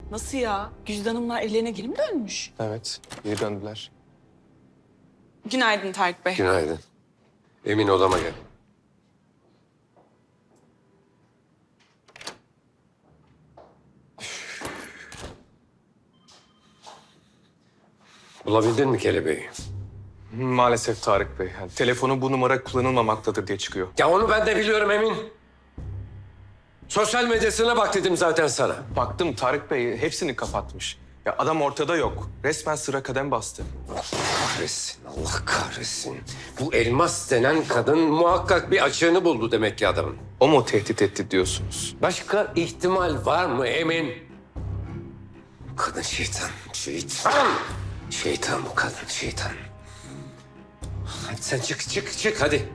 Nasıl ya? Güzide Hanımlar evlerine geri mi dönmüş? Evet, geri döndüler. Günaydın Tarık Bey. Günaydın. Emin odama gel. Bulabildin mi kelebeği? Maalesef Tarık Bey. Yani telefonu bu numara kullanılmamaktadır diye çıkıyor. Ya onu ben de biliyorum Emin. Sosyal medyasına bak dedim zaten sana. Baktım Tarık Bey hepsini kapatmış. Ya adam ortada yok. Resmen sıra kadem bastı. Kahretsin, Allah kahretsin. Bu Elmas denen kadın muhakkak bir açığını buldu demek ki adamın. O mu tehdit etti diyorsunuz? Başka ihtimal var mı Emin? Kadın şeytan, şeytan. Şeytan bu kadın, şeytan. Hadi sen çık hadi.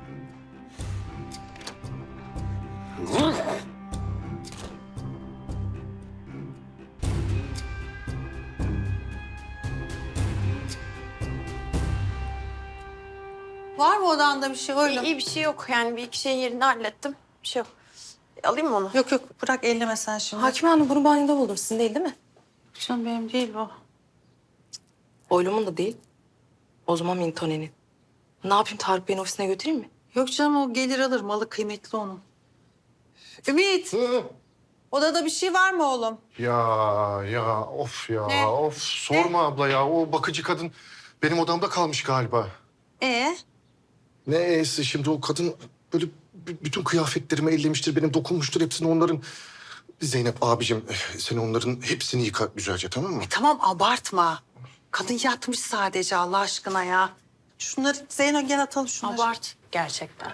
Var mı odanda bir şey oğlum? İyi bir şey yok yani bir iki şeyin yerini hallettim. Bir şey yok. Alayım mı onu? Yok yok bırak elleme sen şimdi. Hakime Hanım bunu banyoda buldum. Sizin değil mi? Canım benim değil bu. Oylumun da değil. O zaman Mintone'nin. Ne yapayım Tarık Bey'in ofisine götüreyim mi? Yok canım o gelir alır malı kıymetli onun. Ümit. Odada bir şey var mı oğlum? Of ya Ne? of sorma abla ya o bakıcı kadın benim odamda kalmış galiba. Ne e'si şimdi o kadın böyle bütün kıyafetlerimi ellemiştir benim dokunmuştur hepsini onların. Zeynep abicim sen onların hepsini yıka güzelce tamam mı? Tamam abartma. Kadın yatmış sadece Allah aşkına ya. Şunları Zeyno gel atalım şunları. Abart gerçekten.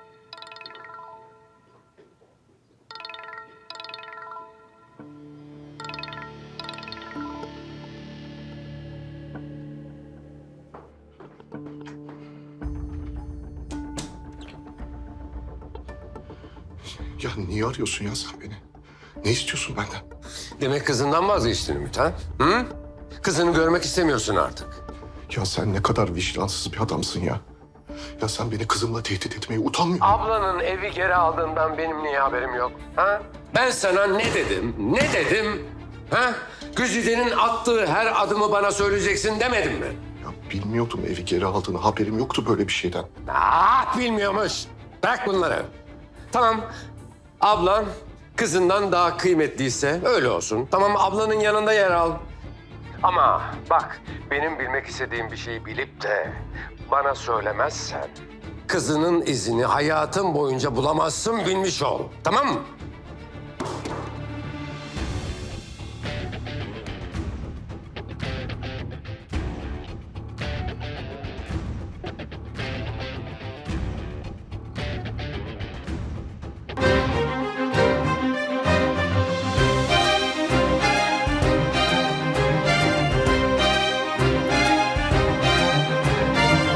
Ya niye arıyorsun ya sen beni? Ne istiyorsun benden? Demek kızından vazgeçtin Ümit ha? Hı? Kızını görmek istemiyorsun artık. Ya sen ne kadar vicdansız bir adamsın ya. Ya sen beni kızımla tehdit etmeye utanmıyor musun? Ablanın evi geri aldığından benim niye haberim yok? Ha? Ben sana ne dedim? Ne dedim? Ha? Güzide'nin attığı her adımı bana söyleyeceksin demedim mi? Ya bilmiyordum evi geri aldığını haberim yoktu böyle bir şeyden. Bilmiyormuş. Bırak bunları. Tamam. Ablan kızından daha kıymetliyse öyle olsun. Tamam ablanın yanında yer al. Ama bak benim bilmek istediğim bir şeyi bilip de bana söylemezsen kızının izini hayatın boyunca bulamazsın bilmiş ol. Tamam mı?